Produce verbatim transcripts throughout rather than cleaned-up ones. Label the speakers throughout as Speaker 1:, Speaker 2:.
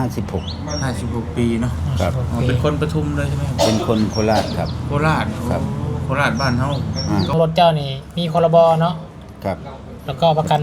Speaker 1: ห้าสิบหก
Speaker 2: ห้าสิบหกปีเนาะ
Speaker 1: ครับ
Speaker 2: อ๋อเป็นคนปทุมเลยใช่ไหมครับ
Speaker 1: เป็นคนโคราชครับ
Speaker 2: โคราช
Speaker 1: ครับ
Speaker 2: โคราชบ้านเฮา
Speaker 3: ก็รถเจ้านี่มีพรบเนาะ
Speaker 1: ครับ
Speaker 3: แล้วก็ประกัน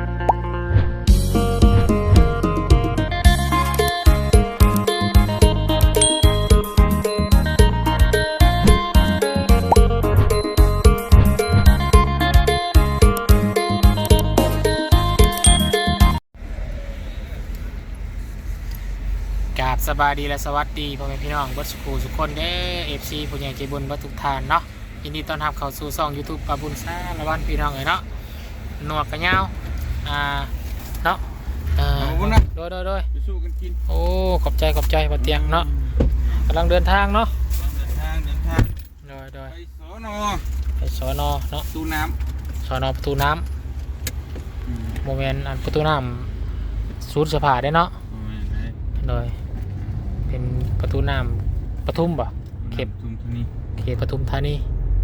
Speaker 3: กราบสบายดีและสวัสดีพ่อแม่พี่น้องเบิร์ดสกูทุกคนเด้อเอฟซีผู้ใหญ่ใจบุญเบิร์ดทุกท่านเนาะยินดีต้อนรับเข้าสู่ช่อง YouTube ปาบุญซาละวันพี่น้องเลยเนาะหนวดกระเงาอ่าเนาะอ่าโดยโดยโดย
Speaker 2: สู้กันกิน
Speaker 3: โอ้ขอบใจขอบใจปะเตียงเนาะกำลังเดินทางเนาะ
Speaker 2: เดินทางเดินทาง
Speaker 3: โดยโดย
Speaker 2: ไปสอนอ
Speaker 3: ไปสอนอเนาะ
Speaker 2: ประตูน้
Speaker 3: ำสอนอประตูน้ำโมเมนต์อันประตูน้ำสูดเสื้อผ้าได้เนาะโดยเป็นประตูน้ำปทุมบ่เขต
Speaker 2: ปทุมธานี
Speaker 3: เขตปทุมธานี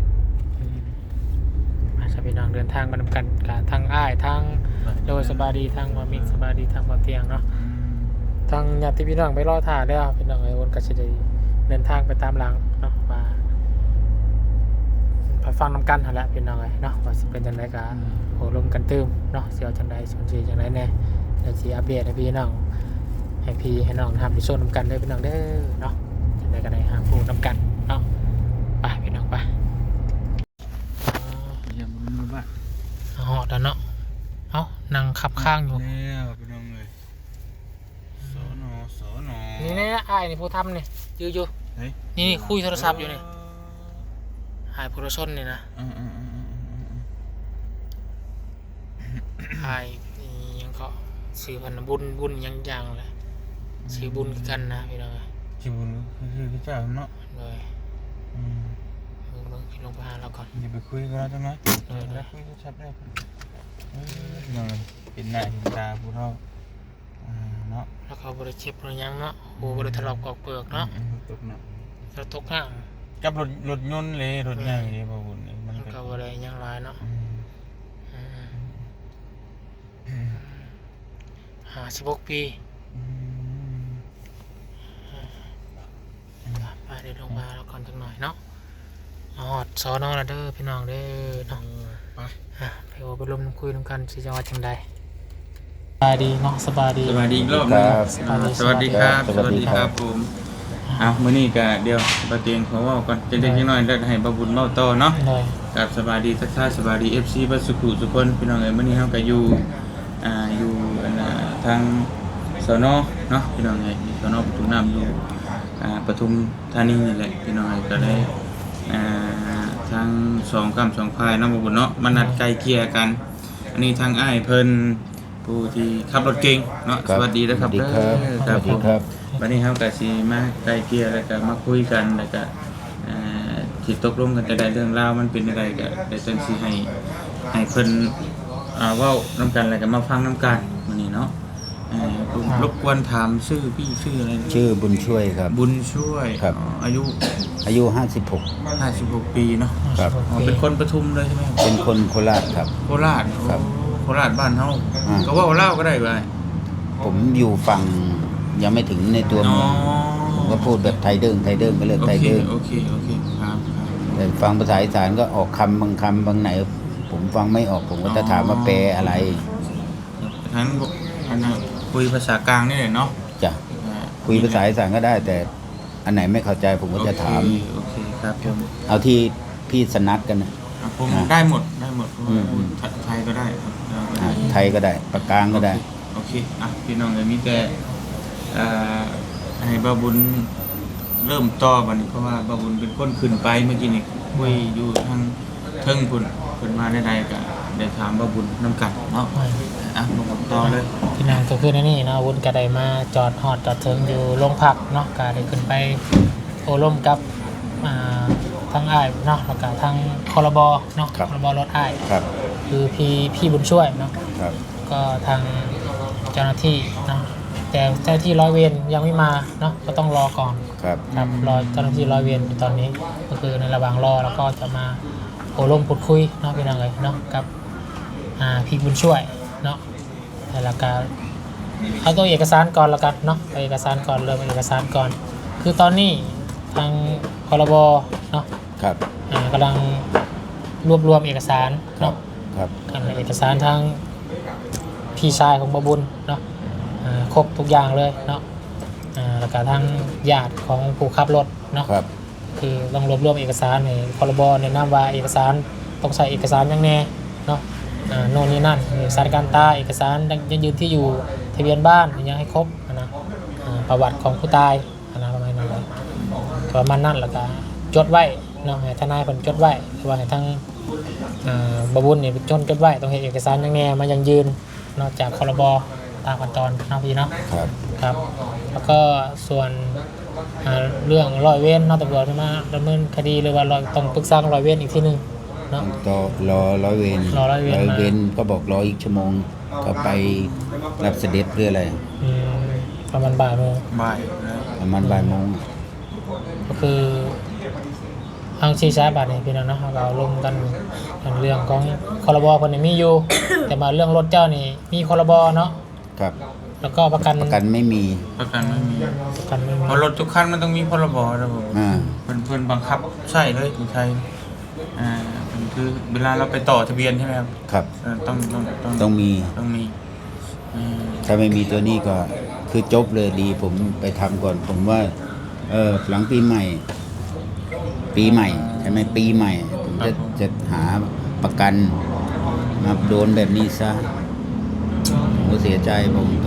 Speaker 3: มาจะพี่น้องเดินทางมานำกันกับทางอ้ายทางโดยสบายดีทางวามิกสบายดีทางบ่อเตียงเนาะทางญาติพี่น้องไปรอถ่ายได้ครับพี่น้องไอ้วนก็จะได้เดินทางไปตามหลังเนาะมาไปฟังนำกันหั่นแหละพี่น้องไอ้เนาะว่าสิเป็นจังไดก็โหลมกันตื้มเนาะเสียวจังไดสนใจจังไดแน่เดี๋ยวสิอัปเดตให้พี่น้องให้พี่ให้น้องทำไปโซนนำกันได้พี่น้องเด้อเนาะจังไดก็ได้หาผู้นำกันเนาะไปพี่น้องไป
Speaker 2: อย่ามามือบ้า
Speaker 3: เอาเหาะแล้วเนาะเอ้านั่งขับข้างอยู่
Speaker 2: แล้วพี่น้องเลยสอนอสอนอ
Speaker 3: นี่นี่อ้ายนี่ผู้ทำนี่ยืออยู่นี่คุยโทรศัพท์อยู่นี่อ้ายผู้รชนนี่นะอ้ายนี่ยังก็ซื้อพันบุญบุญยังยังเลยซื้อบุญกันนะพี่น้อง
Speaker 2: ชื่อบุญคือพระเจ้าเนาะ
Speaker 3: เลยมึงมึงคิดลงไปหาเราก่อน
Speaker 2: อย่าไปคุยกันแล้วจังไหมเลยนะคุยชัดได้พี่น้องเป็นหน้าเห็นตาผู้เฒ่าเนาะ
Speaker 3: แล้วเขาบริเช็บบริยังเนาะโอ้บริถลอกกอกเปลือกเนาะ
Speaker 2: ตกเนาะ
Speaker 3: เราตกห่าง
Speaker 2: กับรถรถยนต์เลยรถใหญ่เลยพ่อบุญ
Speaker 3: มันก็บริยังลายเนาะห้าสิบหกปีไปเดี๋ยวลงมาแล้วก่อนจังหน่อยเนาะอ๋อสอนอละเด้อพี่น้องเด้อเนาะ
Speaker 2: ไป
Speaker 3: ไปว่าไปลมคุยกันสิจังหวัดจังใดสบายดีเนาะสบายดี
Speaker 2: สบายดีอีกรอบนึงสวัสดีครับสวัสดีครับผมอ้าวมื้อนี้ก็เดี๋ยวบ่เตียงขอเว้าก่อนจังได๋จังน้อยได้ให้บ่บุญเว้าต่อเนาะกับสบายดีทักทายสบายดี เอฟ ซี บัดสุขุทุกคนพี่น้องเอ้ยมื้อนี้เฮาก็อยู่อ่าอยู่อันน่ะทางสนเนาะพี่น้องเอ้ยสนปทุมน้ำอยู่อ่าปทุมธานีนี่แหละพี่น้องเอ้ยก็ได้อ่าทางสองกำสองพายเนาะบ่บุญเนาะมานัดไกลเกลี่ยกันอันนี้ทางอ้ายเพิ่นผู้ที่ขับรถเก่งเนาะสวัสดีนะครับเด้อครับผมวันนี้เฮาก็สิมาไกลเกลี่ยแล้วก็มาคุยกันแล้วก็อ่าสิตกลงกันจะได้เรื่องราวมันเป็นอะไรก็ได้จังสิให้ให้เพิ่นอ่าเว้านำกันแล้วก็มาฟังนำกันมื้อนี้เนาะเอ่อผมรบกวนถามชื่อพี่ชื่ออะไร
Speaker 1: ชื่อบุญช่วยครับ
Speaker 2: บุญช่วย
Speaker 1: ครับ
Speaker 2: อายุ
Speaker 1: อายุห้าสิบหก
Speaker 2: ห้าสิบหกปีเนาะ
Speaker 1: ครับ
Speaker 2: อ๋อเป็นคนปทุมเลยใช่ไหมครับ
Speaker 1: เป็นคนโคราชครับ
Speaker 2: โคราช
Speaker 1: ครับ
Speaker 2: โคราชบ้านเฮาก็ว่าเล่าก็ได้บ่
Speaker 1: ผมอยู่ฝั่งยังไม่ถึงในตัวเมืองผมก็พูดแบบไทยเดิมไทยเดิมก็เลยไทยเดิม
Speaker 2: โอเคโอเคครับ
Speaker 1: แต่ฟังภาษาอีสานก็ออกคำบางคำบางไหนผมฟังไม่ออกผมก็จะถามว่าแปลอะไร
Speaker 2: ทั้งอันนั้นคุยภาษากลางนี่แหละเนาะ
Speaker 1: จ้ะคุยภาษาอีสานก็ได้แต่อันไหนไม่เข้าใจผมก็จะถาม
Speaker 2: โอเคครับผม
Speaker 1: เอาที่พี่สนัดกันนะ
Speaker 2: ผมได้หมดได้หมดไทยก็ได้
Speaker 1: ไทยก็ได้ปากกลางก็ได้
Speaker 2: โอเคอ่ะพี่น้องเลยมีแต่ให้บ่าวบุญเริ่มต่อบัดนี้เพราะว่าบ่าวบุญเป็นคนขึ้นไปเมื่อกี้นี่คุยอยู่ทางเทิงพุ่นเพิ่นมาได้ๆก็ได้ถามบ่าวบุญนำกันเนาะอ่ะมาต่อเลย
Speaker 3: พี่นางก็คือในนี่เนาะวุ้นก็ได้มาจอดฮอดจอดถึงอยู่โรงพักเนาะก็ได้ขึ้นไปโอร่มกับอ่าทางอ้ายเนาะแล้วก็ทางครบเนาะครบรถอ้าย
Speaker 1: ครับ
Speaker 3: คือพี่พี่บุญช่วยเนาะ
Speaker 1: ครับ
Speaker 3: ก็ทางเจ้าหน้าที่เนาะแต่เจ้าหน้าที่ร้อยเวรยังไม่มาเนาะก็ต้องรอก่อน
Speaker 1: ครับ
Speaker 3: ครับรอเจ้าหน้าที่ร้อยเวรอยู่ตอนนี้ก็คือในระหว่างรอแล้วก็จะมาโอร่มพูดคุยเนาะพี่น้องเลยเนาะกับอ่าพี่บุญช่วยเนาะแล้วก็เอาตัวเอกสารก่อนแล้วกันเนาะเอาเอกสารก่อนเริ่มเอกสารก่อน คือตอนนี้ทางพรบเนาะ
Speaker 1: ครับ
Speaker 3: อ่ากำลังรวบรวมเอกสาร
Speaker 1: ครับ
Speaker 3: เนาะ
Speaker 1: ครับ
Speaker 3: กันเอกสารทางพี่ชายของบบุญเนาะอ่าครบทุกอย่างเลยเนาะอ่าแล้วก็ทางญาติของผู้ขับรถเนาะ
Speaker 1: ครับ
Speaker 3: คือต้องรวบรวมเอกสารในพรบแนะนำว่าเอกสารต้องใส่เอกสารอย่างแน่เนาะอ่าโน่นนี่นั่นเอกสารการตายเอกสารยังยืนที่อยู่ทะเบียนบ้านยังให้ครบนะอ่าประวัติของผู้ตายนะประมาณนั้นเลยประมาณนั้นแล้วก็จดไว้เนาะให้ทนายเพิ่นจดไว้หรือว่าให้ทางอ่าบบุญนี่จดจดไว้ต้องเห็นเอกสารอย่างแน่มายังยืนนอกจากพรบตามขั้นตอนเนาะพี่เนาะ
Speaker 1: ครับ
Speaker 3: ครับแล้วก็ส่วนอ่าเรื่องร้อยเวรเนอกตำรวจมาดำเนินคดีหรือว่าเราต้องปรึกษาร้อยเวรอีกทีหนึงเนาะ
Speaker 1: ต่อรอร้อยเวร
Speaker 3: รอร้อยเวรมา
Speaker 1: เวรก็บอกรออีกชั่วโมงก็ไปรับเสด็จหรืออะไร
Speaker 3: อืมประมาณบ่ายโมง
Speaker 2: บ่ายนะ
Speaker 1: ประมาณบ่ายโมง
Speaker 3: ก็คือทางชีช้าบาทนี่พี่น้องเนาะเราลงกันเรื่องของคอรบคนนี้มีอยู่ แต่มาเรื่องรถเจ้านี่มีคอรบเนาะ
Speaker 1: ครับ
Speaker 3: แล้วก็ประกัน
Speaker 1: ประกันไม่มี
Speaker 2: ประกันไม่มี
Speaker 3: ประกันไม่มี
Speaker 2: เพราะรถทุกคันมันต้องมีพรบนะผม
Speaker 1: อ่า
Speaker 2: เพิ่นเพิ่นบังคับใช่เลยอยู่ไทยอ่ามันคือเวลาเราไปต่อทะเบียนใช่ไหมครับ
Speaker 1: ครับ
Speaker 2: เออต้องต้องต้อง
Speaker 1: ต้องมี
Speaker 2: ต้องมีอืม
Speaker 1: ถ้าไม่มีตัวนี้ก็คือจบเลยดีผมไปทำก่อน ผมว่า เออหลังปีใหม่ ปีใหม่ใช่ไหมปีใหม่ ผมจะจะหาประกันมาโดนแบบนี้ซะผมก็เสียใจผมตรง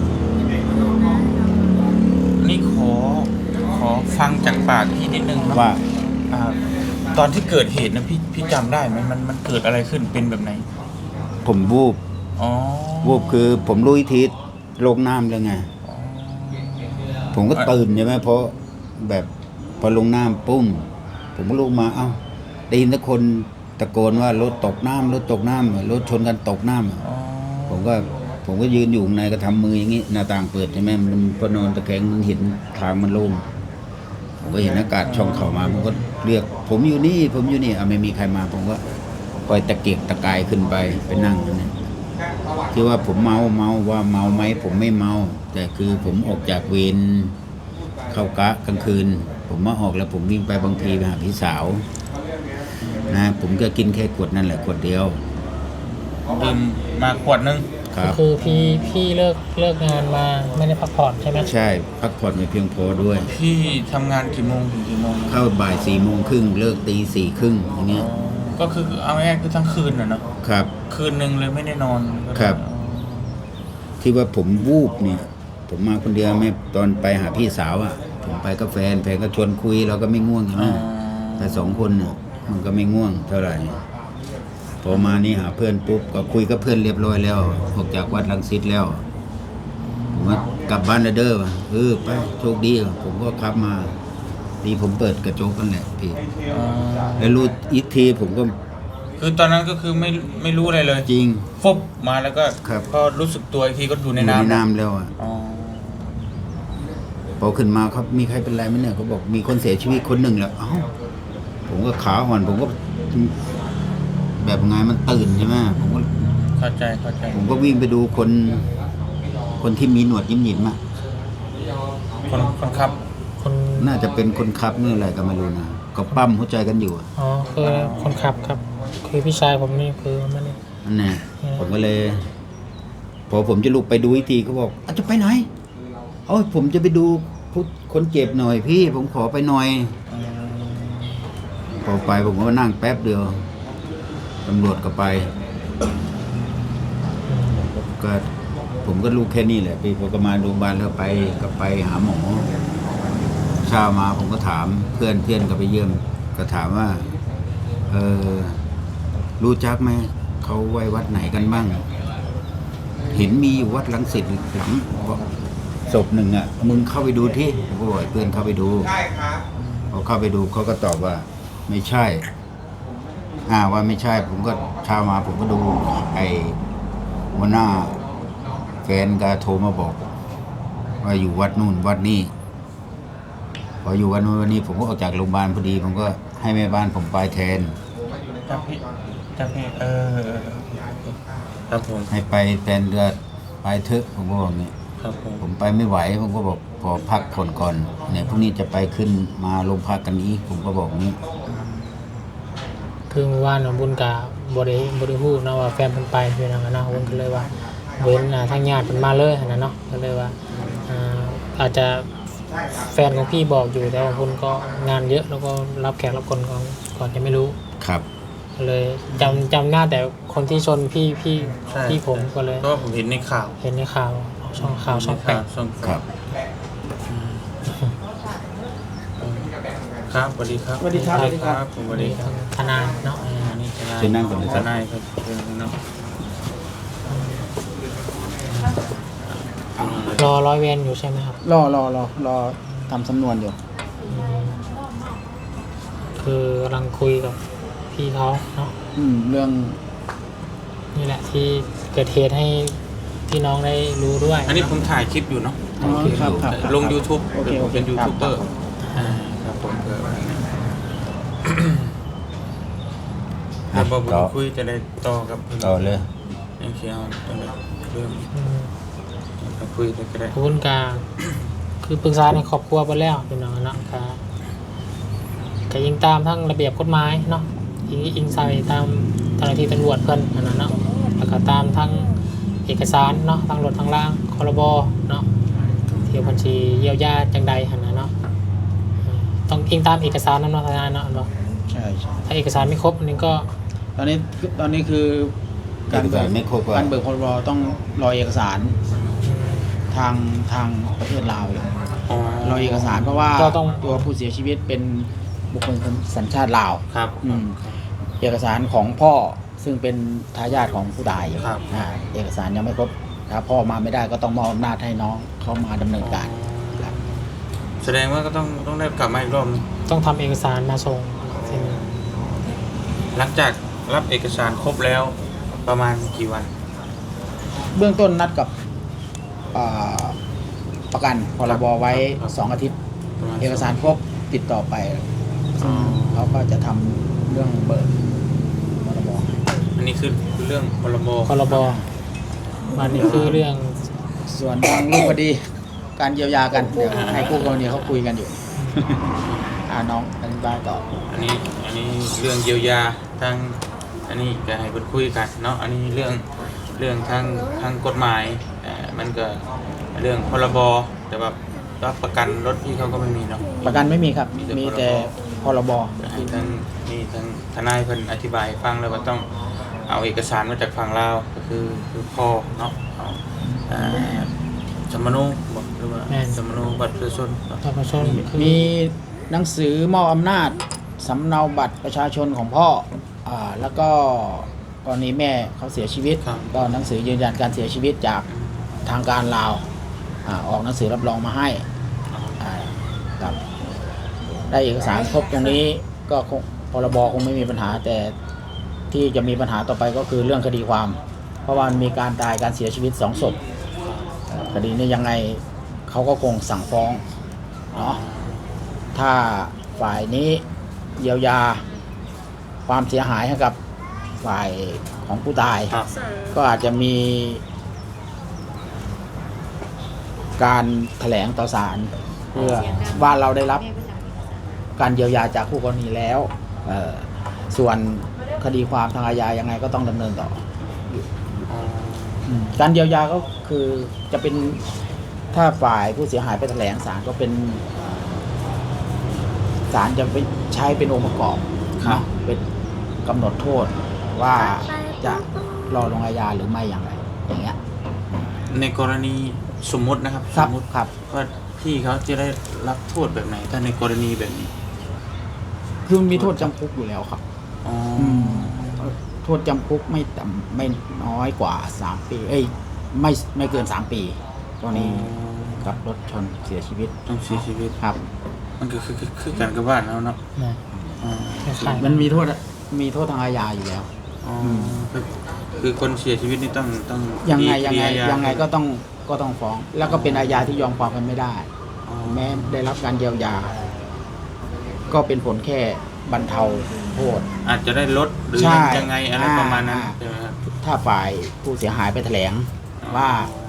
Speaker 2: นี่ขอขอฟังจากปากพี่นิดนึงเนาะ
Speaker 1: ว่า
Speaker 2: อ่าตอนที่เกิดเหตุนะพี่พี่จำได้ไหมมันมันเกิดอะไรขึ้นเป็นแบบไหน
Speaker 1: ผมวูบ
Speaker 2: อ๋อ
Speaker 1: วูบคือผมรู้วิธีลงน้ำแล้วไง
Speaker 2: อ๋อ
Speaker 1: ผมก็ตื่นใช่ไหมเพราะแบบพอลงน้ำปุ้ม ผมก็ลุกมาเอ้าได้ยินทุกคนตะโกนว่ารถตกน้ำรถตกน้ำรถชนกันตกน้ำ
Speaker 2: อ๋อ
Speaker 1: ผมก็ผมก็ยืนอยู่ข้างในก็ทำมืออย่างนี้หน้าต่างเปิดใช่ไหมมันพอนอนตะแคงมันเห็นทางมันโล่งผมก็เห็นอากาศช่องเข้ามาผมก็เรียก ผมอยู่นี่ ผมอยู่นี่อ่ะไม่มีใครมา ผมก็คอยตะเกียกตะกายขึ้นไปไปนั่งนั่นที่ว่าผมเมาเมาว่าเมาไหมผมไม่เมา แต่คือผมออกจากเวรเข้ากะกลางคืน ผมมาออกแล้วผมวิ่งไปบางทีไปหาพี่สาวนะผมก็กินแค่ขวดนั่นแหละขวดเดียว
Speaker 2: ดื่มมาขวดนึง
Speaker 1: ครั
Speaker 3: ก็
Speaker 1: บ
Speaker 3: คือพี่พี่เลิกเลิกงานมาไม่ได้พักผ่อนใช่ไหม
Speaker 1: ใช่พักผ่อนไม่เพียงพอด้วย
Speaker 2: พี่ทำงานกี่โมงถึงกี่โมง
Speaker 1: เข้าบ่ายสี่โมงครึ่งเลิกตีสี่ครึ่งอย่างเงี้ย
Speaker 2: ก็คือเอาง่ายๆคือทั้งคืนน่ะเนาะ
Speaker 1: ครับ
Speaker 2: คืนหนึ่งเลยไม่ได้นอน
Speaker 1: ครับ ที่ว่าผมวูบเนี่ย ผมมาคนเดียวไม่ตอนไปหาพี่สาวอ่ะ ผมไปกับแฟนแฟนก็ชวนคุยเราก็ไม่ง่วงใช่ไหม
Speaker 2: อ๋อ
Speaker 1: แต่สองคนเนี่ยมันก็ไม่ง่วงเท่าไหร่พอมานี่หาเพื่อนปุ๊บก็คุยกับเพื่อนเรียบร้อยแล้วออกจากวัดรังสิตแล้วผมว่ากลับบ้านแล้วเด้อเออไปโชคดีผมก็ขับมาดีผมเปิดกระจกกันแหละพี่
Speaker 2: อ๋อ
Speaker 1: แล้วรู้อีกทีผมก็
Speaker 2: คือตอนนั้นก็คือไม่ไม่รู้อะไรเลย
Speaker 1: จริง
Speaker 2: ฟบมาแล้วก็
Speaker 1: ครับ
Speaker 2: พอรู้สึกตัวอีกทีก็อยู่ใน
Speaker 1: อยู่ใน
Speaker 2: น้ำ
Speaker 1: น้ำแล้วอ่ะ
Speaker 2: อ๋อ
Speaker 1: พอขึ้นมาครับมีใครเป็นไรไหมเนี่ยเขาบอกมีคนเสียชีวิตคนหนึ่งแล้วเอ้าผมก็ขาอ่อนผมก็แบบไงมันตื่นใช่ไหมผมก็
Speaker 2: เข้าใจเข้าใจ
Speaker 1: ผมก็วิ่งไปดูคน คนที่มีหนวดยิ้มหยิมๆอ่ะ
Speaker 2: คนคนขับ
Speaker 3: คน
Speaker 1: น่าจะเป็นคนขับนี่อะไรก็ไม่รู้นะก็ปั้มหัวใจกันอยู่อะ
Speaker 3: อ๋อคือคนขับครับ คือพี่ชายผมนี่คือไม่ได้
Speaker 1: นั่นแน่
Speaker 3: อืม
Speaker 1: ผมก็เลย พอผมจะลุกไปดูอีกทีเขาบอกอาจจะไปไหนเอ้ยผมจะไปดูผู้คนเจ็บหน่อยพี่ ผมขอไปหน่อย พอไปผมก็นั่งแป๊บเดียวตำรวจก็ไป ก็ผมก็รู้แค่นี้แหละพี่พอก็มาโรงพยาบาลแล้วไปก็ไปหาหมอเช้ามาผมก็ถามเพื่อนเพื่อนก็ไปเยี่ยม ก็ถามว่า เออรู้จักไหมเขาไว้วัดไหนกันบ้าง เห็นมีอยู่วัดรังสิตหลังศพหนึ่งอ่ะมึงเข้าไปดูที่ผมก็บอกให้เพื่อนเข้าไปดูพอเข้าไปดูเขาก็ตอบว่า ไม่ใช่ อ่าว่าไม่ใช่ ผมก็เช้ามาผมก็ดูไอ้หัวหน้าแฟนก็โทรมาบอก ว่าอยู่วัดนู่นวัดนี้พออยู่วัดนู่นวันนี้ ผมก็ออกจากโรงพยาบาลพอดี ผมก็ให้แม่บ้านผมไปแทน
Speaker 2: จับพี่จับพี่เออครับผม
Speaker 1: ให้ไปแทนเรือไปเถอะผมก็บอกอย่างนี้
Speaker 2: อครับผม
Speaker 1: ผมไปไม่ไหวผมก็บอกขอพักผ่อนก่อนเนี่ยพรุ่งนี้จะไปขึ้นมาโรงพักกันอีกผมก็บอกงี้
Speaker 3: คือเมื่อวานน้องบุญกับบริบริพูดเนาะว่าแฟนเพิ่นไปพี่น้องนะบุญก็เลยว่าเว้นอ่าทางญาติเพิ่นมาเลยนะเนาะก็เลยว่าอ่าอาจจะแฟนของพี่บอกอยู่แต่ว่าบุญก็งานเยอะแล้วก็รับแขกรับคนก่อนก่อนจะไม่รู้
Speaker 1: ครับ
Speaker 3: ก็เลยจำจำหน้าแต่คนที่ชนพี่พี่
Speaker 2: ใช่
Speaker 3: พี่ผมก็เลย
Speaker 2: เพราะว่าผมเห็นในข่าว
Speaker 3: เห็นในข่าวช่องข่าวช่องแปด
Speaker 2: ช่อง
Speaker 1: ครับ
Speaker 2: ครับสวัสดีครับ
Speaker 4: สวัสดีครับ
Speaker 2: สวัสดีครับผมสวัสดีครับ
Speaker 3: ทนายเนาะ
Speaker 2: อ่านี่ทนาย
Speaker 1: เชิญนั่งก่อนเลยครับ
Speaker 2: ทนายครับเชิญนั่ง
Speaker 3: รอร้อยเวรอยู่ใช่ไหมครับ
Speaker 4: รอรอรอรอทำสำนวนอยู่
Speaker 3: อืมคือกำลังคุยกับพี่เขาเนาะ
Speaker 4: อืม เรื่อง
Speaker 3: นี่แหละที่เกิดเหตุให้พี่น้องได้รู้ด้วย
Speaker 2: อันนี้ผมถ่ายคลิปอยู่เนาะ
Speaker 4: อ๋อครับครับ
Speaker 2: ลง YouTube
Speaker 4: โอเค
Speaker 2: ผมเป็น
Speaker 4: โอเค
Speaker 2: ยู
Speaker 4: ครับ
Speaker 2: ทูบเบอร์อ่าครับผมเพื่อไว้นะเดี๋ยวผมคุยจะได้ต่อกับ
Speaker 1: ต่อเลย
Speaker 2: ยังเชียวจะได้เรื่อง
Speaker 3: อืม
Speaker 2: จะคุยได้ก็ได้
Speaker 3: ขอบคุณกาคือปรึกษาในครอบครัวไปแล้วพี่น้องเนาะก็ก็ยิงตามทั้งระเบียบกฎหมายเนาะยิงอิงใส่ตามเจ้าหน้าที่ตำรวจเพิ่นอันนั้นเนาะแล้วก็ตามทั้งเอกสารเนาะทั้งรถทั้งล่างครบเนาะเที่ยวบัญชีเยียวยาจังใดหันนะเนาะอืมต้องอิงตามเอกสารนั้นเนาะทนายเนาะอันบ่
Speaker 4: ใช่ใช่
Speaker 3: ถ้าเอกสารไม่ครบอันนี้ก็
Speaker 4: ตอนนี้ตอนนี้คือการเบิ
Speaker 1: เอก กไม่ครบ
Speaker 4: การเบิกพรบต้องรอเอกสาร
Speaker 3: อืม
Speaker 4: ทางทางประเทศลาวอยู่
Speaker 2: อ๋อ
Speaker 4: รอเอกสารเพราะว่า
Speaker 3: ก็ต้อง
Speaker 4: ตัวผู้เสียชีวิตเป็นบุคคลสัญชาติลาว
Speaker 2: ครับ
Speaker 4: อืม เอกสารของพ่อซึ่งเป็นทายาทของผู้ตายอยู่
Speaker 2: ครับ
Speaker 4: อ่าเอกสารยังไม่ครบถ้าพ่อมาไม่ได้ก็ต้องมอบอำนาจให้น้องเขามาดำเนินการครับ
Speaker 2: แสดงว่าก็ต้องต้องได้กลับมาอีกรอบนึง
Speaker 3: ต้องทำเอกสารมาส่งที่นี่
Speaker 2: หลังจากรับเอกสารครบแล้วประมาณกี่วัน
Speaker 4: เบื้องต้นนัดกับอ่าประกันพรบไว้
Speaker 2: ครับ
Speaker 4: สองอาทิตย์
Speaker 2: ประมาณ
Speaker 4: เอกสารครบติดต่อไป
Speaker 2: อ๋อ
Speaker 4: เขาก็จะทำเรื่องเบิกพรบ
Speaker 2: อันนี้คือเรื่องพรบ
Speaker 3: พรบมันนี่คือเรื่อง
Speaker 4: ส่วนทางรูปคดีการเยียวยากันเดี๋ยวให้คู่กรณีเขาคุยกันอยู่ อ่าน้องอธิบายต่อ
Speaker 2: อันนี้อันนี้เรื่องเยียวยาทางอันนี้จะให้คนคุยกันเนาะอันนี้เรื่องเรื่องทางทางกฎหมายเอ่อมันก็เรื่องพรบแต่ว่ารับประกันรถพี่เขาก็ไม่มีเนาะ
Speaker 4: ประกันไม่มีครับ
Speaker 2: มีแต่
Speaker 4: มีแต่พรบ
Speaker 2: ให้ทางนี่ทางทนายเพิ่นอธิบายให้ฟังแล้วว่าต้องเอาเอกสารมาจากฝั่งลาวก็คือคือพ่อเนาะเอาอ่าสมโนบอกหรือว่า
Speaker 3: แม่น
Speaker 2: สมโนบัตรประชาชนเนาะ
Speaker 3: ประชาชนคือ
Speaker 4: มีหนังสือมอบอำนาจสำเนาบัตรประชาชนของพ่ออ่าแล้วก็กรณีแม่เขาเสียชีวิต
Speaker 2: ครับ
Speaker 4: ก็หนังสือยืนยันการเสียชีวิตจากทางการลาวอ่าออกหนังสือรับรองมาให้อ่าครับได้เอกสารครบตรงนี้ก็คงพรบคงไม่มีปัญหา แต่ที่จะมีปัญหาต่อไปก็คือเรื่องคดีความ เพราะว่ามันมีการตายการเสียชีวิตสองศพเอ่อคดีนี้ยังไงเขาก็คงสั่งฟ้องเนาะถ้าฝ่ายนี้เยียวยาความเสียหายให้กับฝ่ายของผู้ตาย
Speaker 2: ครับ
Speaker 4: ก็อาจจะมีการแถลงต่อศาลเพื่อว่าเราได้รับการเยียวยาจากคู่กรณีแล้วเอ่อส่วนคดีความทางอาญายังไงก็ต้องดำเนินต่อ
Speaker 2: อ๋อ
Speaker 4: อืมการเยียวยาก็คือจะเป็นถ้าฝ่ายผู้เสียหายไปแถลงศาลก็เป็นศาลจะไปใช้เป็นองค์ประกอบเนาะเป็นกำหนดโทษว่าจะรอลงอาญาหรือไม่อย่างไรอย่างเงี้ย
Speaker 2: ในกรณีสมมตินะครับ
Speaker 4: ค
Speaker 2: ส
Speaker 4: รับ
Speaker 2: มมติ
Speaker 4: ครับ
Speaker 2: ว่าพี่เขาจะได้รับโทษแบบไหน ถ้าในกรณีแบบนี้
Speaker 4: คือมันมีโทษจำคุกอยู่แล้วครับ
Speaker 2: อ๋อ
Speaker 4: โทษจำคุกไม่ต่ำไม่น้อยกว่าสามปี เอ้ยไม่ไม่เกินสามปีกรณีกับรถชนเสียชีวิต
Speaker 2: ต้องเสียชีวิต
Speaker 4: ครับ
Speaker 2: มันก็คือคือคือการกับบ้านแล้วเนาะ
Speaker 3: นะ
Speaker 2: อ๋อ
Speaker 3: คล้ายๆ
Speaker 4: มันมีโทษมีโทษทางอาญาอยู่แล้ว
Speaker 2: อ๋อคือคือคนเสียชีวิตนี่ต้องต้อง
Speaker 4: ยังไง
Speaker 2: ค
Speaker 4: ยัง
Speaker 2: ดี
Speaker 4: ไง
Speaker 2: อาญา
Speaker 4: ยังไงก็ต้องก็ต้องฟ้อง แล้วก็เป็นอาญาที่ยอมความกันไม่ได้
Speaker 2: อ๋อ
Speaker 4: แม้ได้รับการเยียวยา ก็เป็นผลแค่บรรเทาโทษ
Speaker 2: อาจจะได้ลดหรือ
Speaker 4: ใช่
Speaker 2: ยังไงอะไร
Speaker 4: อ่า
Speaker 2: ประมาณนั้น
Speaker 4: อ่า
Speaker 2: ใช่ไหมครับ
Speaker 4: ถ้าฝ่ายผู้เสียหายไปแถลงว่า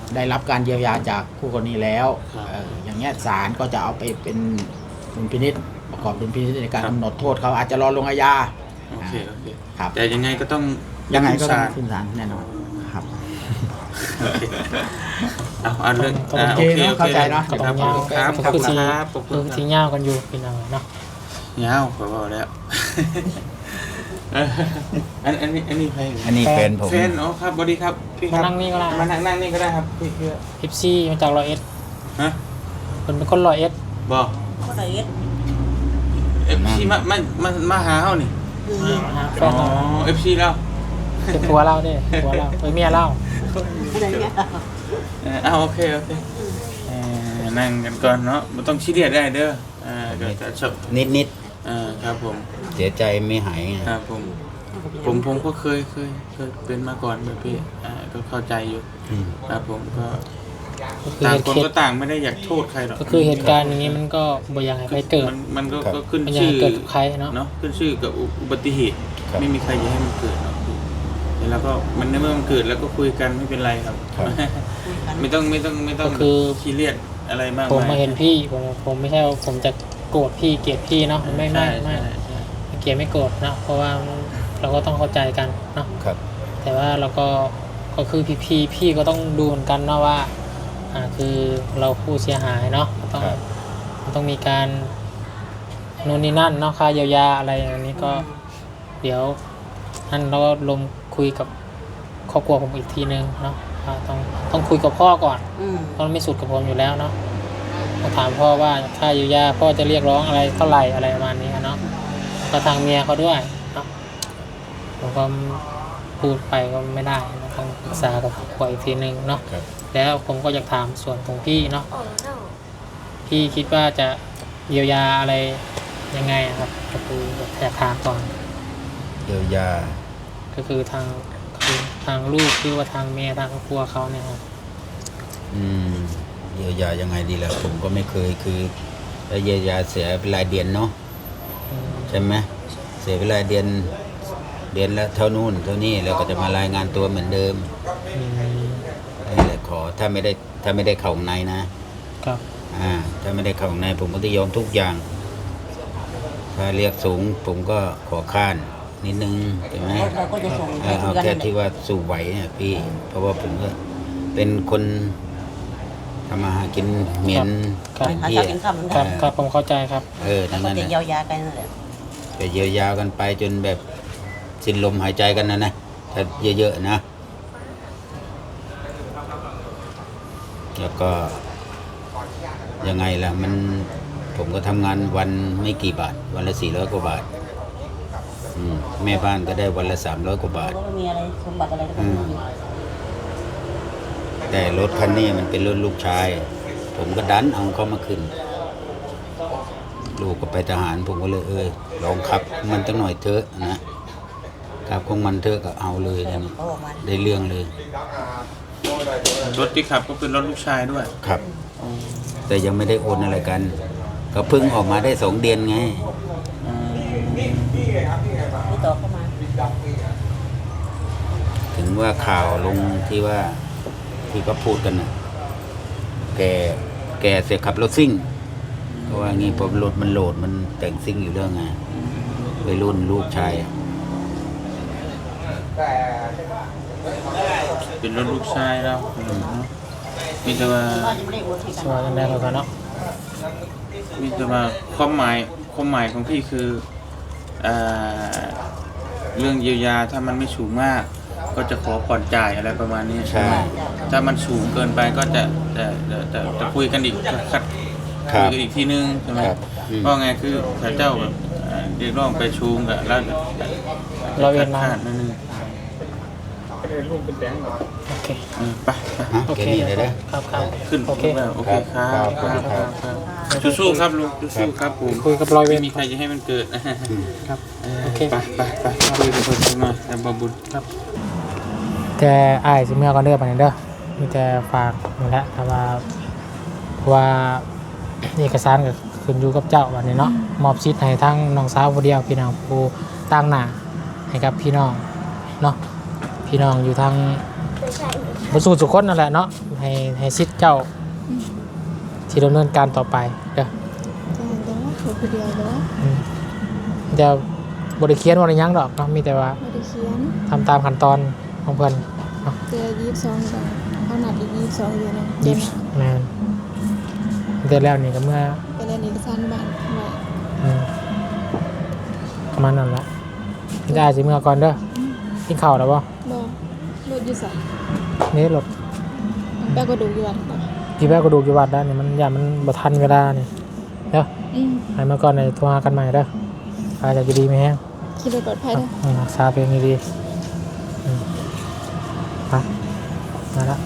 Speaker 4: ได้รับการเยียวยาจากคู่กรณีแล้วเอ่ออย่างเงี้ยศาลก็จะเอาไปเป็นดุลพินิจประกอบดุลพินิจในการกำหนดโทษเขาอาจจะรอลงอาญา
Speaker 2: โอเคโอเค
Speaker 4: ครับ
Speaker 2: แต่ยังไงก็ต้อง
Speaker 4: ยังไงก็ต้อ
Speaker 2: ศาง ล
Speaker 4: ขึ้นศาลแน่นอนครับ
Speaker 2: โอเคเอาเอาเรื่อง
Speaker 3: ต้อง
Speaker 2: อ่า
Speaker 4: โอ
Speaker 2: โอ
Speaker 4: เค
Speaker 2: เค
Speaker 4: เนอะ
Speaker 2: โอ
Speaker 4: เข้า
Speaker 2: เค
Speaker 4: ใจเนอะ
Speaker 2: ครับ
Speaker 3: ต้อง
Speaker 2: ครับ
Speaker 3: ยาว
Speaker 2: ขอบคุณ
Speaker 3: คือ
Speaker 2: ครับขอบคุ
Speaker 3: คือ
Speaker 2: ณค
Speaker 3: ที่
Speaker 2: รับ
Speaker 3: ยาวกันอยู่พี่น้องเนาะ
Speaker 2: ยาวขอบอกแล้วเอออันอันนี้อันนี้ใคร
Speaker 1: อันนี้แฟนผม
Speaker 2: แฟนอ๋อครับสวัสดีครับพี่ค
Speaker 3: มา
Speaker 2: รับ
Speaker 3: นั่งนี่ก็ได้
Speaker 2: มานั่งนั่งนี่ก็ได้ครับพี่เพื่อ
Speaker 3: เอฟซีมาจากร้อยเอ็ด
Speaker 2: ฮะ
Speaker 3: เป็นเป็นคนร้อยเอ็ด
Speaker 2: บอก
Speaker 5: ก็ได้เอ็ด
Speaker 2: เอฟซีมามามามาหาเขานี่
Speaker 3: มาหาแฟ
Speaker 2: อ๋
Speaker 3: นเรา
Speaker 2: อเอฟซีแล้ว
Speaker 3: เป็นผัวเราเด้ผัวเราเป็นเมียเรา
Speaker 5: อะไรเงี้ย
Speaker 2: เออเอาโอเคโอเคเออนั่งกันก่อนเนาะมันต้องชี้เดียดได้เด้ออ่าเดี๋ยวจะชอบ
Speaker 1: นิดนิด
Speaker 2: อ่าครับผม
Speaker 1: ๆเสียใจไม่หายไง
Speaker 2: ครับผมผมผมก็เคยเคยเคยเป็นมาก่อนแบบพี่อ่าก็เข้าใจอยู่
Speaker 1: อืม
Speaker 2: ครับผมก็
Speaker 3: ก็คือ
Speaker 2: ต่าง
Speaker 3: เหตุ
Speaker 2: คน
Speaker 3: เกิ
Speaker 2: ก็
Speaker 3: ด
Speaker 2: ต่างไม่ได้อยากโทษใครหรอก
Speaker 3: ก็คือเหตุการณ์อย่างนี้มันก็บ่อยากให้ใครเกิด
Speaker 2: มันมันก็
Speaker 1: ครับ
Speaker 2: ก็ขึ้น
Speaker 3: บ่อยาก
Speaker 2: ชื่อ
Speaker 3: ให้เกิดกับใครเนาะ
Speaker 2: เนาะขึ้นชื่อกับอุอุบัติเหตุ
Speaker 1: ครับ
Speaker 2: ไม่มีใครอยากให้มันเกิดหรอกพี่แล้วก็มันในเมื่อมันเกิดแล้วก็คุยกันไม่เป็นไรครับ
Speaker 1: ครับ
Speaker 2: ไม่ต้องไม่ต้องไม่ต้อง
Speaker 3: ก็คือ
Speaker 2: ซีเรียสอะไรมาก
Speaker 3: ผม
Speaker 2: มาย
Speaker 3: มาเห็นพี่ผมผมไม่ใช่ว่าผมจะโกรธพี่เกลียดพี่เนาะไม่ไม่
Speaker 2: ใช่
Speaker 3: ไม่
Speaker 2: ใช่ใช่
Speaker 3: ไม่เกลียดไม่โกรธเนาะเพราะว่าเราก็ต้องเข้าใจกันเนาะ
Speaker 1: ครับ
Speaker 3: แต่ว่าเราก็ก็คือพี่พี่พี่ก็ต้องดูเหมือนกันเนาะว่าอ่าคือเราผู้เสียหายเนาะก็ต้อง
Speaker 1: ครับ
Speaker 3: มันต้องมีการนู่นนี่นั่นเนาะค่าเยียวยาอะไรอย่างนี้ก็เดี๋ยวท่านเราก็ลงคุยกับครอบครัวผมอีกทีนึงเนาะอ่าต้องต้องคุยกับพ่อก่อน
Speaker 5: อืม
Speaker 3: เพราะมันไม่สุดกับผมอยู่แล้วเนาะต้องถามพ่อว่าค่าเยียวยาพ่อจะเรียกร้องอะไรเท่าไหร่อะไรประมาณนี้เนาะก็ทางเมียเขาด้วยเนาะผมก็พูดไปก็ไม่ได้นะต้องปรึกษากับครอบครัวอีกทีนึงเนาะ
Speaker 1: ครับ
Speaker 3: แล้วผมก็อยากถามส่วนของพี่เนาะพี่คิดว่าจะเยียวยาอะไรยังไงอะครับก็คืออยากถามก่อน
Speaker 1: เยียวยา
Speaker 3: ก็คือทางคือทางลูกหรือว่าทางเมียทางครอบครัวเขาเนี่ยครับ
Speaker 1: อืมเยียวยายังไงดีล่ะผมก็ไม่เคยคือแล้วเยียวยาเสียเป็นรายเดือนเนาะ
Speaker 3: อืม
Speaker 1: ใช่ไหมเสียเป็นรายเดือนเดือนละเท่านู้นเท่านี้แล้วก็จะมารายงานตัวเหมือนเดิม
Speaker 3: อืม
Speaker 1: นี่แหละขอถ้าไม่ได้ถ้าไม่ได้เข่าข้างในนะครับ อ่าถ้าไม่ได้เข่าข้างในผมก็จะยอมทุกอย่าง ถ้าเรียกสูงผมก็ขอข้านนิดนึงใช่ไหม
Speaker 5: เราก็จะส่ง
Speaker 1: เอ
Speaker 5: ให้
Speaker 1: อ
Speaker 5: คุ
Speaker 1: เอา
Speaker 5: ยกัน
Speaker 1: แค่
Speaker 5: นั่นแห
Speaker 1: ที่
Speaker 5: ละ
Speaker 1: ว่าสู่ไหวเนี่ยพี่ เพราะว่าผมก็เป็นคนทำมาหากินเหม็น
Speaker 3: ครับ
Speaker 5: หา
Speaker 1: พี่
Speaker 5: เช้ากินข้าวเหมือน
Speaker 3: ค
Speaker 5: กั
Speaker 3: รั
Speaker 5: น
Speaker 3: บครับผมเข้าใจครับ
Speaker 1: เออทั้ง
Speaker 5: ก็
Speaker 1: นั้น
Speaker 5: จะ
Speaker 1: นะ
Speaker 5: เยียวยากันนั่นแหละ
Speaker 1: ไปเยียวยากันไปจนแบบสิ้นลมหายใจกันนะนะถ้าเยอะๆนะ แล้วก็ยังไงล่ะมันผมก็ทำงานวันไม่กี่บาท วันละสี่ร้อยกว่าบาทอืมแม่บ้านก็ได้วันละสามร้อยกว่าบาท
Speaker 5: ก็ไม่มีอะไรสมบัติอะไรก็ไม่มี
Speaker 1: แต่รถคันนี้มันเป็นรถลูกชาย ผมก็ดันเอาเขามาขึ้น ลูกก็ไปทหารผมก็เลยเออลองขับมันตั้งหน่อยเถอะนะขับของมันเถอะก็เอาเลยนะนี่
Speaker 5: เขาบอกมา
Speaker 1: ได้เรื่องเลย
Speaker 2: รถที่ขับก็เป็นรถลูกชายด้วย
Speaker 1: ครับ แต่ยังไม่ได้โอนอะไรกัน ก็เพิ่งออกมาได้สองเดือนไง
Speaker 2: อืม
Speaker 5: ที่ต่อเข้ามา
Speaker 1: ถึงว่าข่าวลงที่ว่าที่ก็พูดกันนะแกแกเสียขับรถซิ่งเพราะว่างี้พอรถมันโหลดมันแต่งซิ่งอยู่เรื่องไงวัยรุ่นลูกชายอะ
Speaker 2: เป็นรถลูกชายแล้วอืมมีแต่ว่า
Speaker 5: ว่าจะไม่ได้โอนให้
Speaker 3: ส
Speaker 5: กัน
Speaker 3: วัสดีครับเนาะ
Speaker 2: มีแต่ว่าความหมายความหมายของพี่คือเอ่อเรื่องเยียวยาถ้ามันไม่สูงมาก ก็จะขอผ่อนจ่ายอะไรประมาณนี้
Speaker 1: ใช่
Speaker 2: ถ้ามันสูงเกินไปก็จะจะจะจะจะคุยกันอีกคัด
Speaker 1: ครั
Speaker 2: คุ
Speaker 1: บ
Speaker 2: ยกันอีกทีนึงใช่ไหม
Speaker 1: ครับอืม
Speaker 2: เพราะไงคือถ้าเจ้าแบบเอ่อเรียกร้องไปชูงกับแล้ว
Speaker 3: เราเวียนมา
Speaker 2: คดๆนั่นนึง
Speaker 3: โอเค
Speaker 2: เออไปไป
Speaker 1: ฮะ
Speaker 3: โอ
Speaker 1: แก
Speaker 3: เค
Speaker 1: นี่เลยนะ
Speaker 3: ครับครับ
Speaker 2: ขึ้น
Speaker 3: โอเค
Speaker 2: แล้วโอเคครับ
Speaker 1: ครับ
Speaker 2: ครับ
Speaker 1: ครับ
Speaker 2: ครับครับสู้ๆครับลุงสู้ๆครับผม
Speaker 3: คุยกับรอยเว
Speaker 2: ไม่
Speaker 3: ร
Speaker 2: มีใครจะให้มันเกิด
Speaker 3: ครับ
Speaker 2: เออ
Speaker 3: โอเค
Speaker 2: ไปไปไปคุยกับคนข้างนอกแล้วบาบุญ
Speaker 3: ครับแต่อ้ายสิเมื่อก่อนเด้อปานนี้เด้อมีแต่ฝากนี่แหละถ้าว่าว่าเอกสารก็ขึ้นอยู่กับเจ้าวันนี้เนาะมอบสิทธิ์ให้ทั้งน้องสาวผู้เดียวพี่น้องผู้ต่างหน้าให้กับพี่น้องเนาะพี่น้องอยู่ทางบ่สู้ทุกคนนั่นแหละเนาะให้ให้สิทธิ์เจ้าที่ดำเนินการต่อไปเด้อ
Speaker 6: จะเห็นแต่ว่าเขาคนเดียวแต่ว่า
Speaker 3: อืมจะบ่ได้เขียนบ่ได้หยังดอกเนาะมีแต่ว่า
Speaker 6: ไม่ได้เขียน
Speaker 3: ทำตามขั้นตอนของเพิ่น
Speaker 6: เจอยี่สิบสองเดือนเขานัดอีกยี่สิบสองเดือนนึง
Speaker 3: ยิบแม่นเดือนแล้วนี่ก็เมื่อ
Speaker 6: ไปเรียนเอกสารบ้านไว้
Speaker 3: อืมประมาณนั้นละได้สิเมื่อก่อนเด้อกินข้าวแล้วบ่
Speaker 6: บอกรถอยู่ใส่
Speaker 3: นี่รถ
Speaker 6: แป้ก็ดูอยู่วันต่อ
Speaker 3: กี่แป๊กก็ดูกี่วัดได้นี่มันอย่ามันบ่ทันเวลานี่เด้อ
Speaker 6: อืม
Speaker 3: ให้เมื่อก่อนในโทรหากันใหม่เด้ออาจจะดีไหมแฮง
Speaker 6: ขี่รถปลอดภัยเด้อ
Speaker 3: อืมรักษาตัวเองดีๆอืมไปมาละ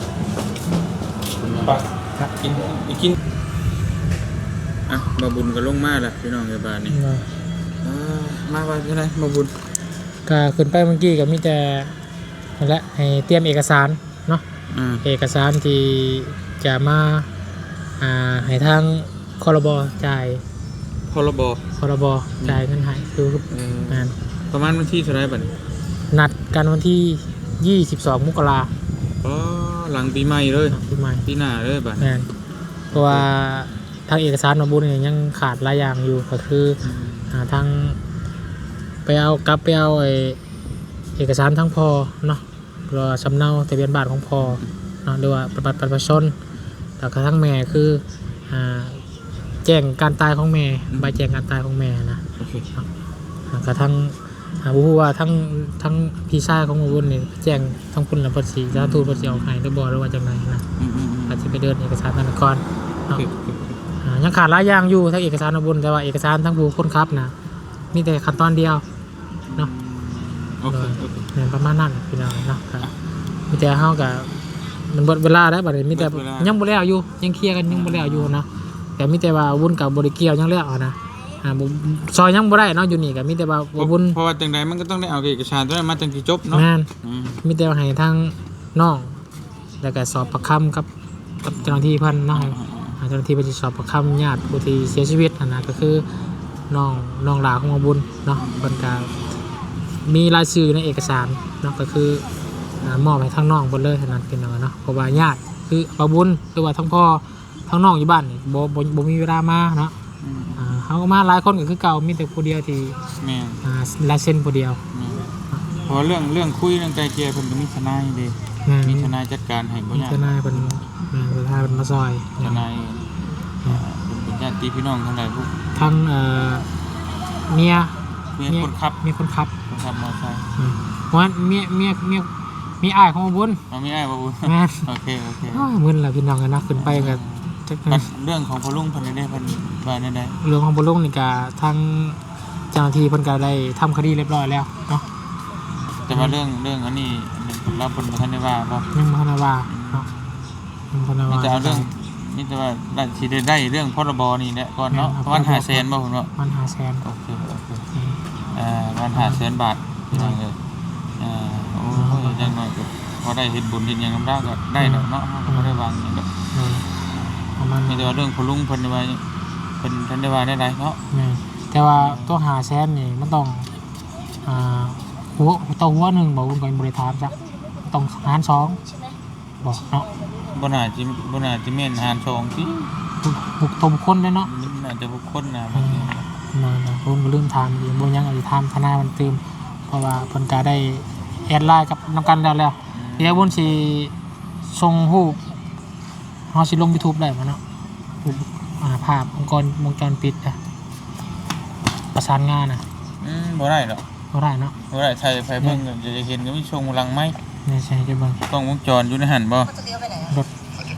Speaker 2: ไปกินกินอ่ะมาบุญก็ลงมาแล้วพี่น้องในบ้านนี่
Speaker 3: มา
Speaker 2: อ่ามาว่าจังไดมาบุญ
Speaker 3: ก็ขึ้นไปเมื่อกี้ก็มีแต่นั่นแหละให้เตรียมเอกสารเนาะ
Speaker 2: อ่า
Speaker 3: เอกสารที่จะมาอ่าให้ทางครบจ่าย
Speaker 2: พรบ
Speaker 3: ครบจ่ายเงินให้คือ
Speaker 2: เอ่อง
Speaker 3: าน
Speaker 2: ประมาณวันที่เท่าไหร่บัดนี้
Speaker 3: นัดกันวันที่ยี่สิบสองมกรา
Speaker 2: อ๋อหลังปีใหม่เลย
Speaker 3: คมปีใหม่
Speaker 2: ปีหน้าเลยบัด
Speaker 3: งานเพราะว่าทางเอกสารมาบุญเนี่ยยังขาดหลายอย่างอยู่ก็คืออ่าทางไปเอากลับไปเอาไอเอกสารทั้งพอเนาะรอสำเนาทะเบียนบ้านของพอเนาะหรือว่าบัตรประชาชนแต่กระทั่งแม่คืออ่าแจ้งการตายของแม่ใบแจ้งการตายของแม่นะ
Speaker 2: โอเค
Speaker 3: กระทั่งหาบุว่าทั้งทั้งพี่ชายของมาบุญเนี่ยแจ้งทั้งพุ่นและภาษีสาธุภาษีเอาให้หรือบ่หรือว่าจังไรนะ
Speaker 2: อืมอืมอืม
Speaker 3: อาจจะไปเดินเอกสารธนาคาร
Speaker 2: โอ
Speaker 3: เนาะ
Speaker 2: เคโอเค
Speaker 3: อ่ายังขาดหลายอย่างอยู่ทั้งเอกสารมาบุญแต่ว่าเอกสารทั้งผู้คนขับนะมีแต่ขั้นตอนเดียวเนาะ
Speaker 2: โอเคโอเค
Speaker 3: เนี่ยประมาณนั้นพี่น้องเนาะครับมีแต่เฮากับมันเบิดเวลาได้วบัดนี้มีแต่ยังบ่แล้วอยู่ยังเคลียร์กันยังบ่แล้วอยู่นะแต่มีแต่ว่าวุ่นกับบ่ได้เกี่ยวยังแล้วเอานะอ่าบ่ซอยยังบ่ได้เนาะอยู่นี่ก็มีแต่ว่าบ่วุ่น
Speaker 2: เพราะว่าจังใดมันก็ต้องได้เอาเอกสารตัวนั้นมาจังสิจบเนาะ
Speaker 3: แม่น
Speaker 2: อืม
Speaker 3: มีแต่ว่าให้ทางน้องแล้วก็สอบปากคำกับกับเจ้าหน้าที่เพิ่นเนาะให้เจ้าหน้าที่ไปสอบปากคำญาติผู้ที่เสียชีวิตนั่นนะก็คือน้องน้องหลาของหมอบุญเนาะเพิ่นก็มีรายชื่อในเอกสารเนาะก็คืออ่ามอบให้ทางน้องเพิ่นเลยเท่านั้นเป็นเนาะเนาะเพราะว่าญาติคือบ่บุญหรือว่าทั้งพ่อทั้งน้องอยู่บ้านนี่บ่บ่บ่มีเวลามาเนาะ
Speaker 2: อืม
Speaker 3: อ่าเฮาก็มาหลายคนก็คือเก่ามีแต่ผู้เดียวที่
Speaker 2: แม่น
Speaker 3: อ่าลายเซ็นผู้เดียว
Speaker 2: แม่นเพราะเรื่องเรื่องคุยเรื่องไกลเกลี่ยเพิ่นก็มีทนายเด้
Speaker 3: แม่น
Speaker 2: มี
Speaker 3: มี
Speaker 2: ทนายจัดการให้บ่
Speaker 3: มี
Speaker 2: ยาก
Speaker 3: ทนายเป็นแม่นทนายเป็นมาซอย
Speaker 2: ทนายเอ่อเป็นญาติพี่น้องทั้งหลายพวก
Speaker 3: ทั้งเอ่อเมีย
Speaker 2: เมียคนขับ
Speaker 3: เมียคนขับ
Speaker 2: คนขับมอเตอร์ไซค์
Speaker 3: อืมเพราะว่าเมียเมียเมียมีอ้ายของบุญ
Speaker 2: เอาไม่ได้บ่บุญ
Speaker 3: แม่น
Speaker 2: โอเคโอเค
Speaker 3: อ้าวมึนล่ะพี่น้องกันนะขึ้นไปกับจัก
Speaker 2: บัดเรื่องของพ่อลุงเพิ่นได้เพิ่นว่าแนวใด
Speaker 3: เรื่องของบุญลุงนี่ก็ทางเจ้าหน้าที่เพิ่นก็ได้ทำคดีเรียบร้อยแล้วเนาะ
Speaker 2: แต่ว่าเรื่องเรื่องอันนี้เราเพิ่นบ่ทันได้ว่าบ่
Speaker 3: ยังบ่ทันได้ว่าเนาะยังบ่ทันได้
Speaker 2: มี
Speaker 3: ว่า
Speaker 2: แต่เอาเรื่องมีแต่ว่าได้สิได้ได้เรื่องพรบนี่แหละก่อนเนาะประมาณห้าแสนบ่เพิ่นว่า
Speaker 3: มันหาแสน
Speaker 2: โอเคโอเค
Speaker 3: อืม
Speaker 2: เอ่อประมาณห้าแสนบาทพี่น้องเอ้ยเอ่อโอ้ยอย่างน้อยก็พอได้เฮ็ดบุญเฮ็ดหยังนำเราก็ได้ดอกเนาะเราก็บ่ได้วางหยังดอก
Speaker 3: เออประมาณ
Speaker 2: มี
Speaker 3: นั้น
Speaker 2: แต่ว่าเรื่องพ่อลุงเพิ่นว่าเพิ่นทันได้ว่าได้ใดเนาะ
Speaker 3: แม่นแต่ว่าตัวหาแสนนี่มันต้องอ่าหัวตัวหัวหนึ่งบอกคุณก่อนบริธามจ้ะต้องหารสองบอกเนาะ
Speaker 2: บ่น่าจิบ่น่าจิแม่นหารสองติ
Speaker 3: บุกตมคนเลยเนาะ
Speaker 2: มันน่าจะบุคคลนะ
Speaker 3: อืมมาเนาะคุณก็ลืมทามอีกบ่ยังอีกทามทนายมันเติมเพราะว่าเพิ่นก็ได้แอดไลน์กับนำกันแล้วแล้วเดี๋ยวบุญสิส่งรูปเฮาสิลง YouTube ได้บ่เนาะรูปอ่าภาพองค์กรวงจรปิดอะประสานงานน่ะ
Speaker 2: อืมบ่ได้ดอก
Speaker 3: บ่ได้เนาะ
Speaker 2: บ่ได้ใช้ไฟเบิ่งก็จะเห็นก็มีช่วงหลังไม้
Speaker 3: นี่ใช่จะเบิ่ง
Speaker 2: กล้องวงจรอยู่ในหั่นบ่
Speaker 3: รถ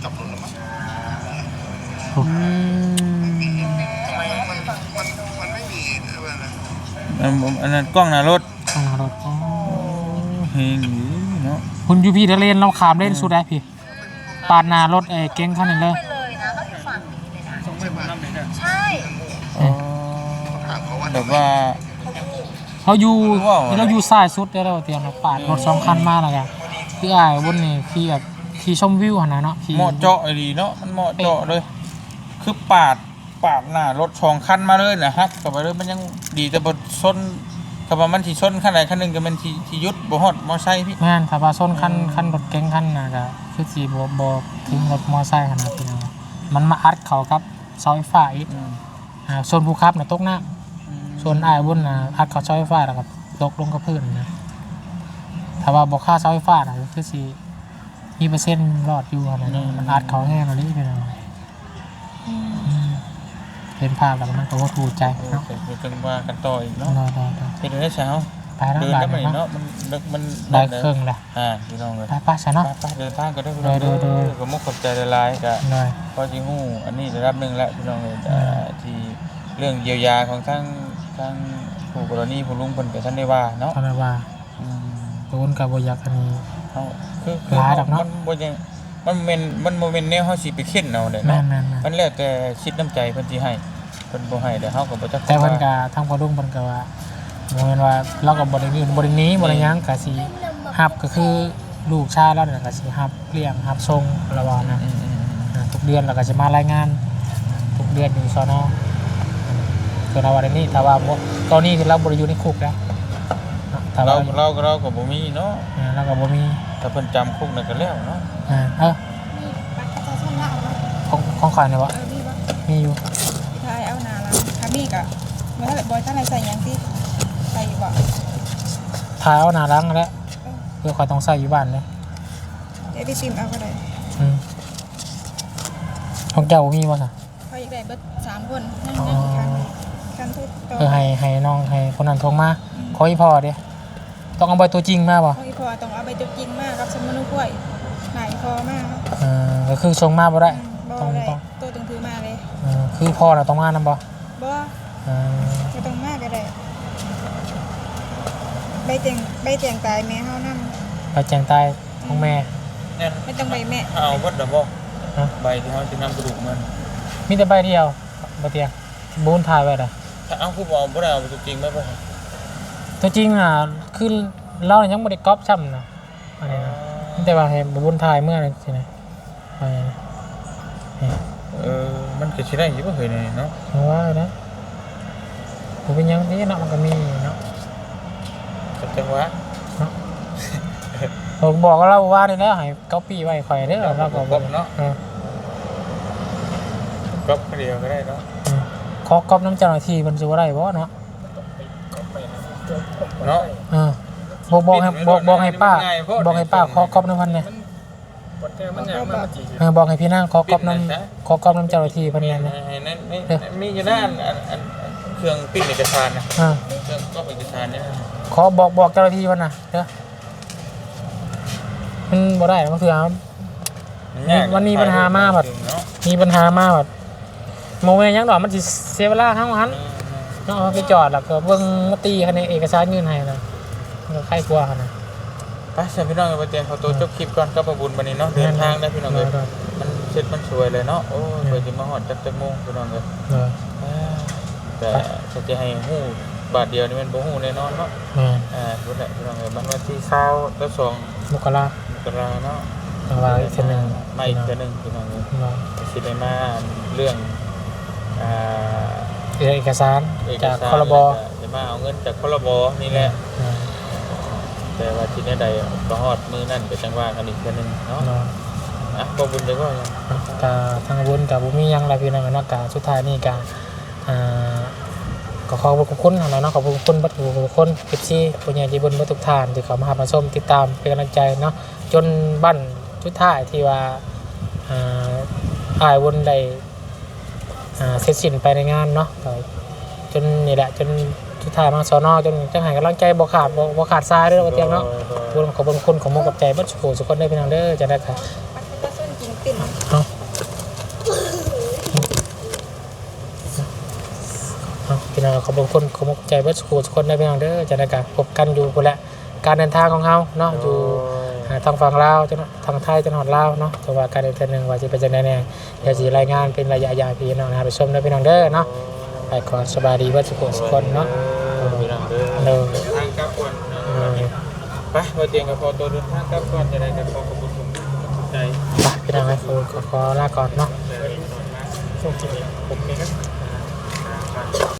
Speaker 3: โอ้
Speaker 2: อันอันนั้นกล้องหน้ารถ
Speaker 3: ข้างหน้ารถอ๋อ
Speaker 2: เฮงอยู่เนาะ
Speaker 3: คุณยูพีทะเลนเราขามเล่นสุดได้พี่ปาดหน้ารถเอเก่งคันนึงเลย
Speaker 2: อ๋อแบบว่า
Speaker 3: เขาอยู่
Speaker 2: ว้าว
Speaker 3: เราอยู่ซ้ายสุดได้แล้วเตียงเราปาดรถสองคันมาแล้วกันคืออ้ายบนนี่ขี่แบบขี่ชมวิวหั่นน่ะเนาะขี่
Speaker 2: เหมาะเจาะไอ้ดีเนาะมันเหมาะเจาะเลย คือปาดปาดหน้ารถสองคันมาเลยนะฮักกลับไปเลยมันยังดีแต่บ่ชนทก็ว่ามันสิชนคันใดคันหนึงก็มันสิสิหยุดบ่ฮอดมอไซค์พี่
Speaker 3: แม่นถ้าว่าส้นคันคันรถเก๋งคันน่ะก็คือสิบ่บ่ถึงรถมอไซค์ขนาดพี่น้องมันมาอัดเข้ากับเสาไฟฟ้าอีกอ่าส่วนผู้ขับน่ะตกน้ำส่วนอ้ายบุญน่ะอัดเข้าเสาไฟฟ้าแล้วก็ตกลงกับพื้นนะถ้าว่าบ่ค่าเสาไฟฟ้าน่ะก็คือสิมีเปอร์เซ็นต์รอดอยู่ขนาดนี้มันอัดเข้าแห้งแล้วนี่พี่น้องอืมเห็นภาพแล้วมันก็บ่ถูกใจเนาะ
Speaker 2: เดี๋ยวจังว่ากันต่ออีกเนาะ
Speaker 3: ได้ๆ
Speaker 2: เป็นได้เช้า
Speaker 3: ๆไปแล้ว
Speaker 2: เดิน
Speaker 3: บา
Speaker 2: ได้
Speaker 3: ด
Speaker 2: ไหม
Speaker 3: เนาะ
Speaker 2: เนาะมันเลิกมัน
Speaker 3: ได้เครื่องแล้ว
Speaker 2: อ่าพี่น้องเลย
Speaker 3: ไปป้าซะเนาะ
Speaker 2: ไปๆเดินทางก็ได้พี่น้อง
Speaker 3: โดยโดย
Speaker 2: ก็มุกขอบใจหลายๆก็
Speaker 3: เลย
Speaker 2: พอสิฮู้อันนี้ระดับหนึงแล้วพี่น้องเลยอ่าที่เรื่องเยียวยาของทั้งทั้งผู้กรณีผู้ลุงเพิ่นก็ท่านได้ว่าเนาะ
Speaker 3: ตอนนั้นว่า
Speaker 2: อืม
Speaker 3: โดนกับบ่อยากอันนี้
Speaker 2: เฮาคือคือ
Speaker 3: หลายดอกเนาะ
Speaker 2: มันบ่ยังมันบ่แม่นมันบ่แม่นแนวเฮาสิไปเข็นเอาเด้
Speaker 3: แม่
Speaker 2: เนาะ
Speaker 3: นๆ
Speaker 2: มันแล้วแต่คิดน้ำใจเพิ่นสิให้เพิ่นบ่ให้เดี๋ยวเฮาก็บ่จัก
Speaker 3: ๆแต่เพิ่นก็ทางพ่อลุงเพิ่นก็ว่าบ่แม่นว่าเราก็บ่ได้ยืนบ่ได้หนีบ่ได้หยังก็สิรับก็คือลูกชายเราเนี่ยก็สิรับเลี้ยงรับส่งระว่านะ
Speaker 2: อืมๆ
Speaker 3: อ่าทุกเดือนเราก็จะมารายงานทุกเดือนอยู่สนคือเราว่าในนี้ถ้าว่าบ่ตอนนี้คือเราบ่ได้อยู่ในคุกแล้วถ้า
Speaker 2: ๆเรา
Speaker 3: ว่า
Speaker 2: เราก็เราก็บ่มีเนาะ
Speaker 3: อ่าเราก็บ่มี
Speaker 2: ถ้าเพิ่นจำคุกนั่นก็แล้วเนาะ
Speaker 3: อ่าเออ
Speaker 6: มีบัตรประชาชนละเอาเนาะ
Speaker 3: ของของข่อยเนี่ยวะ
Speaker 6: เออมีบ่
Speaker 3: มีอยู่
Speaker 7: ทายเอาหนาละถ้ามีกะบ่ทันได้บ่ทันได้ใส่หยังติใส่อยู่บ่
Speaker 3: ถ่ายเอาหน้าล้างแล้วเพื่อข่อยต้องใส่อยู่บ้านเลย
Speaker 7: เดี๋ยวไปซิมเอาก็ได้
Speaker 3: อืมของเจ้าบ่มีบ่ซะ
Speaker 7: เขาอยากได้เบิดสามคนนั่งนั่งอีกครั้งหนึงครั้งที่ต่อ
Speaker 3: เออให้ให้น้องให้คนนั้นโทรมาขออีพ่อเด้ต้องเอาใบตัวจริงมาบ่
Speaker 7: ของอีพอต้องเอาไปตัวจริงมากกับสมนุกล้วยหนาอีพอมาก
Speaker 3: เออก็คือส่งมาบ่ได้
Speaker 7: บ่
Speaker 3: ต้อง
Speaker 7: ได้
Speaker 3: ต้อง
Speaker 7: ตัวต้องถือมาเลย
Speaker 3: เออคือพ่อน่ะต้องมานํบ่
Speaker 7: บ่
Speaker 3: เออ
Speaker 7: บ่ต้องมาก็ได้ใบแจงใบแจงตายแม่เฮานำ
Speaker 3: ไปแจ้งตายของแม่
Speaker 2: เนี่ย
Speaker 7: ไม่ต้องใบแม่
Speaker 2: เอาเบิดดอกบ่
Speaker 3: ฮะ
Speaker 2: ใบที่เฮาสินำกระดูกมัน
Speaker 3: มีแต่ใบเดียวบ่เตียงบูนถ่ายไว้ล่ะ
Speaker 2: ถ้าเอาคือบ่เอาบ่ได้เอาไปจริงไหมบ่
Speaker 3: ตัวจริงอ่ะคือเรายังบ่ได้ก๊อปซ้ำนะอันนี้นะมีแต่ว่าให้บูนถ่ายเมื่อนั้นสินะไปนะนี่
Speaker 2: เออมันก็สิได้อยู่บ่เคยนี่เนาะ
Speaker 3: เอาว่านะบ่เป็นหยังนี่เนาะมันก็มีเนาะ
Speaker 2: ก็จังหวะ
Speaker 3: ผมบอกกับเราว่านี่แล้วให้ก๊อปปี้ไว้ข่อยเด้อเราก็บ่เนาะ
Speaker 2: ก็เดียวก็ได้เนาะ
Speaker 3: ขอก๊อปน้ำเจ้าหน้าที่มันสิบ่ได้บ่เนาะ
Speaker 2: เนาะ
Speaker 3: เออบอกบอกให้บอกบอกให้ป้าบอกให้ป้าขอก๊อปน้ำพันเนี่ย
Speaker 2: มันอยากมันจี
Speaker 3: เออบอกให้พี่นางขอก๊อปน้ำขอก๊อปน้ำเจ้าหน้าที่เพิ่นเนี่ยนะ
Speaker 2: ให้นั่นนี่มีอยู่ด้านอันอันเครื่องปิ้นเอกสารนะ
Speaker 3: เออ
Speaker 2: เครื่องก็เอกสารเนี่ย
Speaker 3: ขอบอกบอกเจ้าหน้าที่เพิ่นน่ะเด้อมันบ่ได้มันคือเอา วันนี้ปัญหามากแบบ มีปัญหามากแบบโมเมนต์ยังดอกมันสิเสียเวลาทั้งวันเนาะเอาไปจอดแล้วก็เบิ่งมาตีคันในเอกสารยื่นให้นะมันก็ใครกลัวกันนะ
Speaker 2: ไปเชิญพี่น้องไปเตรียมขอตัวจบคลิปก่อนก็ประบุญวันนี้เนาะเดินทางได้พี่น้องเลยมันเช็ดมันสวยเลยเนาะโอ้ยเปิดจิมาหอดจักจักโมงพี่น้องเลย
Speaker 3: เออ
Speaker 2: แต่ถ้าจะให้หู้บาทเดียวนี่มันบ่หู้แน่นอนเนาะ
Speaker 3: แม่น
Speaker 2: อ่าพุ่นแหละพี่น้องเลยมันวันที่เช้าแล้วสอง
Speaker 3: มกรา
Speaker 2: กราเนาะ
Speaker 3: เอาไว้อีกเทื่อหนึง
Speaker 2: มาอีกเทื่อหนึงพี่น้องเลย
Speaker 3: เนาะ
Speaker 2: สิได้มาเรื่องอ่า
Speaker 3: เอกสาร
Speaker 2: เอก
Speaker 3: จาก
Speaker 2: สาร
Speaker 3: ครบ
Speaker 2: จะมาเอาเงินจากครบนี่แหละ
Speaker 3: เออ
Speaker 2: แต่ว่าที่นี่ใดก็ฮอดมือนั่นก็จังว่ากันอีกเทื่อหนึงเนาะ
Speaker 3: เนาะ
Speaker 2: อ่ะบ่บุญได้บ่ยัง
Speaker 3: กาทางบุญกับบุมีหยังไรพี่น้องเนาะกาสุดท้ายนี่กาอ่าก็ขอบคุณนะเนาะขอบคุณบัดทุกคนเอฟซีผู้ใหญ่ใจบุญบัดทุกท่านที่เข้ามาหามาชมติดตามเป็นกำลังใจเนาะจนบั้นสุดท้ายที่ว่าอ่าอายวนได้อ่าเสร็จสิ้นไปในงานเนาะก็จนนี่แหละจนสุดท้ายมาสอนอจนจังหายกำลังใจบ่ขาดบ่บ่ขาดทรายเด้อว่าเตียงเนาะบุญขอบคุณของมุกกับใจบัดสุขสุขคนได้พี่น้องเด้อจะได้ค่ะ
Speaker 7: ปัดประชาชนจริงติ่น
Speaker 3: เอาเอาพี่น้องขอบคุณขอบคุณใจเบิดสุขทุกคนได้พี่น้องเด้อจะได้การพบกันอยู่พุ่นแหละการเดินทางของเฮาเนาะอยู่อ่าทางฝั่งลาวจนทางไทยจนฮอดลาวเนาะแต่ว่าการเดินทางหนึงว่าสิเป็นจังได๋แน่เดี๋ยวสิรายงานเป็นระยะยาวพี่น้องนะครับไปชมได้พี่น้องเด้อเนาะไปก่อนสบายดีเบิดสุขทุกคนเนาะ
Speaker 2: พี่น้องเด้อ
Speaker 3: เด้อ
Speaker 2: ทางกลับก่อน
Speaker 3: เออ
Speaker 2: ไปบ่เตียงก็พอตัวเดินทางกลับก่อนจะได้กันขอขอบคุณผมใจ
Speaker 3: ไปพี่น้องให้ขอขอขอลาก่อนเนาะ
Speaker 2: ช่วงที่ผมนี่ครับ